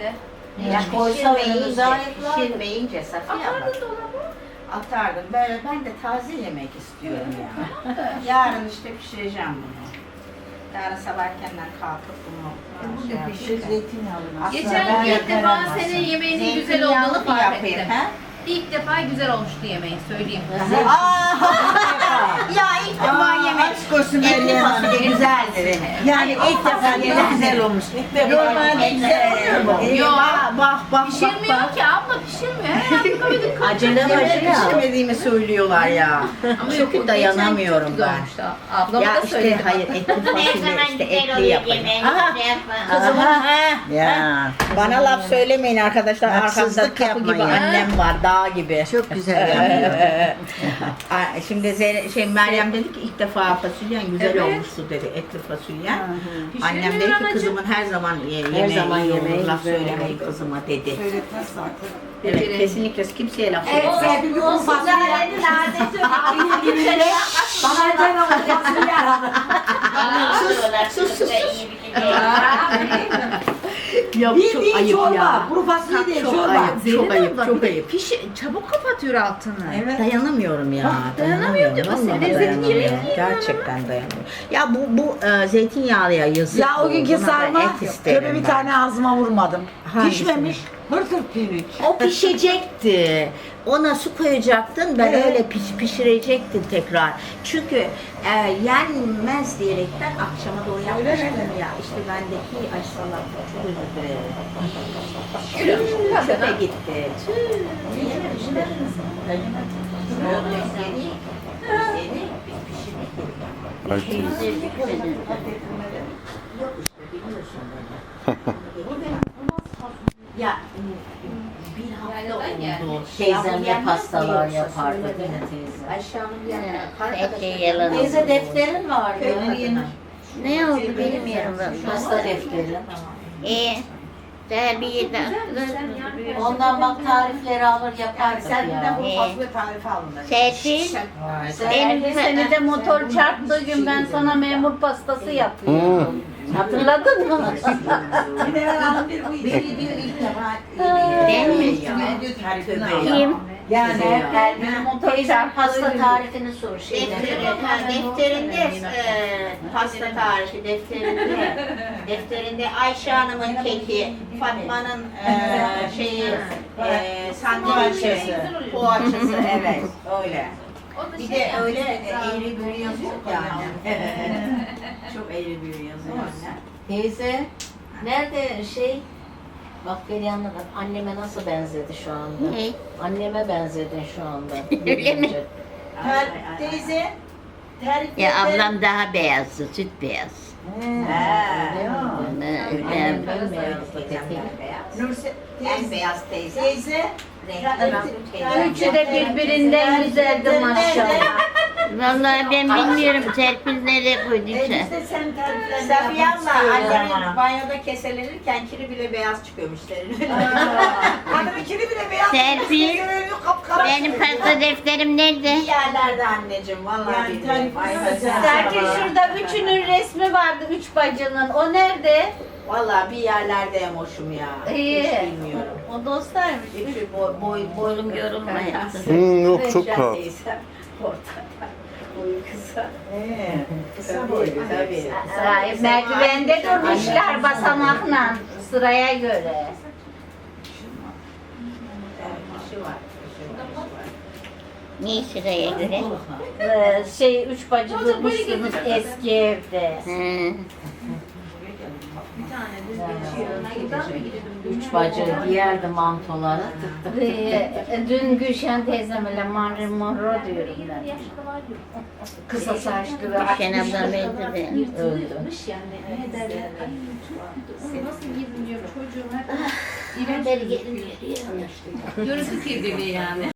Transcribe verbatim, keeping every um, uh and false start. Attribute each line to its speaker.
Speaker 1: işte.
Speaker 2: Ya koysa öyle gayet var.
Speaker 3: Pişirmeyince Safiye abla.
Speaker 1: Atardın dolaba.
Speaker 3: Atardım. Böyle ben de taze yemek istiyorum ya. Yarın işte pişireceğim bunu. Yarın sabah erkenden kalkıp bunu şey yapayım da.
Speaker 2: Zeytinyağlı.
Speaker 1: Geçen ilk defa senin yemeğinin güzel
Speaker 3: Zeytinyağlı
Speaker 1: olduğunu
Speaker 3: mı
Speaker 1: fark
Speaker 3: yapayım,
Speaker 1: ettim.
Speaker 3: he?
Speaker 1: İlk defa güzel olmuştu yemeğin, söyleyeyim.
Speaker 3: Aa! Ya ilk defa yemek.
Speaker 2: Aşk olsun
Speaker 3: Etli
Speaker 2: Meryem Hanım.
Speaker 3: fasulye güzeldir.
Speaker 2: Yani ilk defa yemek güzel olmuş. Normalde güzel olmuyor mu?
Speaker 1: Yok.
Speaker 3: Bak bak
Speaker 1: Pişirmiyor ki abla, pişirmiyor. Her dakika bir dakika.
Speaker 3: Acele
Speaker 2: acele.
Speaker 3: pişirmediğimi söylüyorlar ya.
Speaker 1: Ama
Speaker 3: Çok
Speaker 1: yok, o
Speaker 3: dayanamıyorum
Speaker 1: geçen çok
Speaker 3: ben.
Speaker 1: güzel olmuştu. Ablama
Speaker 3: Ya
Speaker 1: da
Speaker 3: işte
Speaker 1: söyledim.
Speaker 3: hayır etli
Speaker 4: Ne
Speaker 3: fasulye
Speaker 4: zaman
Speaker 3: işte
Speaker 4: güzel
Speaker 3: etli
Speaker 4: oluyor
Speaker 3: yapayım.
Speaker 4: yemeğini
Speaker 3: Aha.
Speaker 4: güzel yapma.
Speaker 3: Kızımın he.
Speaker 2: Ya.
Speaker 3: Bana laf söylemeyin arkadaşlar. Arkamda
Speaker 2: Haksızlık
Speaker 3: kapı gibi
Speaker 2: yapmayın.
Speaker 3: annem var, dağ gibi.
Speaker 2: Çok güzel yapıyor.
Speaker 3: Ay, Şimdi Zeynep, şey Meryem dedi ki ilk defa fasulyen güzel
Speaker 1: Evet.
Speaker 3: olmuştu dedi, etli fasulyen. Annem
Speaker 1: Pişirmiyor
Speaker 3: dedi ki
Speaker 1: anacığım.
Speaker 3: kızımın her zaman ye-
Speaker 2: Her
Speaker 3: yemeği
Speaker 2: zaman
Speaker 3: iyi olur,
Speaker 2: yemeği
Speaker 3: laf
Speaker 2: güzel
Speaker 3: söylemeyin
Speaker 2: olur.
Speaker 3: kızıma dedi.
Speaker 2: Söyletmez zaten.
Speaker 3: Evet,
Speaker 1: Becerin.
Speaker 3: kesinlikle kimseye laf
Speaker 4: Evet,
Speaker 3: söylemeyin.
Speaker 4: Serpil bu fasulyenin adeti
Speaker 2: Bana neden ama fasulye aradı.
Speaker 4: Sus sus sus.
Speaker 3: Yok çok
Speaker 2: Bildiğin
Speaker 3: ayıp
Speaker 2: çorba.
Speaker 3: ya.
Speaker 2: Kuru fasulye değil
Speaker 3: Çok
Speaker 2: çorba.
Speaker 3: ayıp, çok
Speaker 1: Zeynep
Speaker 3: ayıp,
Speaker 1: abla,
Speaker 3: çok
Speaker 1: bir de
Speaker 3: ayıp.
Speaker 1: Pişi, çabuk kapatıyor altını.
Speaker 2: Evet.
Speaker 3: Dayanamıyorum ya.
Speaker 1: dayanamıyor diyor.
Speaker 3: Vallahi
Speaker 1: Senin lezzetli
Speaker 3: dayanamıyorum.
Speaker 1: yemek yiyin
Speaker 3: Gerçekten dayanamıyorum. Ya bu bu e, zeytinyağlıya yazık.
Speaker 2: Ya o günkü
Speaker 3: Buna da
Speaker 2: sarma
Speaker 3: et isterim
Speaker 2: şöyle bir
Speaker 3: ben.
Speaker 2: tane ağzıma vurmadım.
Speaker 3: Hangisini?
Speaker 2: Pişmemiş. Hırtır pirinç.
Speaker 3: O pişecekti. Ona su koyacaktın, ben
Speaker 2: Evet.
Speaker 3: öyle piş, pişirecektim tekrar. Çünkü e, yenmez diyerekten akşama doğru yapmıştım ya. İşte bendeki ay salata çok özür dilerim. Çöpe gitti. Tüh. Yememişler. Yeni, yeni pişirmek gerekiyor.
Speaker 5: Ay teyze.
Speaker 3: Yok işte biliyorsun beni. Ya bir hafta oldu.
Speaker 2: Teyzemle pastalar yapardı yine teyze.
Speaker 3: Ayşe Hanım yani
Speaker 4: Epey yalan oldu.
Speaker 2: Teyze defterin vardı.
Speaker 4: Ne oldu bilmiyorum ben.
Speaker 2: Pasta defteri.
Speaker 4: İyi. Terbiyeden.
Speaker 2: Ondan bak tarifleri alır yapardık
Speaker 3: Sen bir de
Speaker 2: ya.
Speaker 3: bu
Speaker 4: İyi.
Speaker 3: fasulye tarifi alın.
Speaker 4: Serpil.
Speaker 2: Benim
Speaker 4: Benim
Speaker 6: Seni de motor çarptığı gün ben sana memur pastası yapıyorum. Hatırladın mı?
Speaker 3: Beni diyor ilk defa
Speaker 4: Değil mi? Kim?
Speaker 2: Yani
Speaker 6: Benim motor
Speaker 2: teyzem
Speaker 6: çarptığı
Speaker 2: pasta
Speaker 6: gün.
Speaker 2: tarifini sor şeyden.
Speaker 4: Defterinde, ha, defterinde e, pasta tarifi defterinde defterinde Ayşe Hanım'ın keki, Fatma'nın e, şeyi e, sandviçi,
Speaker 3: poğaçası evet öyle. Bir de öyle eğri büğrü yazıyor yani. Çok eğri büğrü yazıyor anne.
Speaker 2: Teyze nerede şey? Bak beni anladın. Anneme nasıl benzedi şu anda?
Speaker 4: Ne?
Speaker 2: Anneme benzedin şu anda.
Speaker 4: Öyle mi?
Speaker 3: Ter- Teyze tariflerde...
Speaker 4: Ya ablam daha beyazdı, süt beyaz.
Speaker 3: He.
Speaker 4: Ben,
Speaker 3: Nurse teyze. beyaz teyze. Teyze.
Speaker 6: Üçü de birbirinden güzeldi maşallah.
Speaker 4: vallahi ben bilmiyorum Serpil nereye koyduysa.
Speaker 3: sen tariflerde Safiye abla annemin banyoda keselenirken kiri bile beyaz çıkıyormuş senin. Adamın kiri bile beyaz.
Speaker 4: Serpil, benim pasta defterim nerede?
Speaker 3: İyi yerlerde anneciğim vallahi bilmiyorum. Ay,
Speaker 6: Serpil şurada üçünün resmi vardı, üç bacının. O nerede?
Speaker 3: Vallahi bir yerlerde emoşum ya.
Speaker 6: İyi.
Speaker 3: Hiç bilmiyorum.
Speaker 6: O dostlarmış.
Speaker 3: Üçü boy boy boylum
Speaker 4: yorulmayın.
Speaker 5: Hmm, yok çok rahat.
Speaker 3: Ortada. Boyu kısa. Ee, kısa boylu tabii.
Speaker 6: Ay, merdivende durmuşlar basamakla sıraya göre.
Speaker 3: Kışı var. kışı var.
Speaker 4: Niye sıraya göre?
Speaker 6: Ee, şey üç bacı durmuşsunuz eski evde.
Speaker 4: Hı.
Speaker 2: Üç bacı giyerdi mantoları.
Speaker 6: Ee, dün Gülşen teyzemle Marilyn Monroe diyorum ben. Kısa saçlı ve
Speaker 4: Gülşen ablam öldü de.
Speaker 2: Öldü.
Speaker 1: Nasıl gizliyor çocuğum hep
Speaker 4: Haberi gelince diyor.
Speaker 1: görüntü kirliliği yani.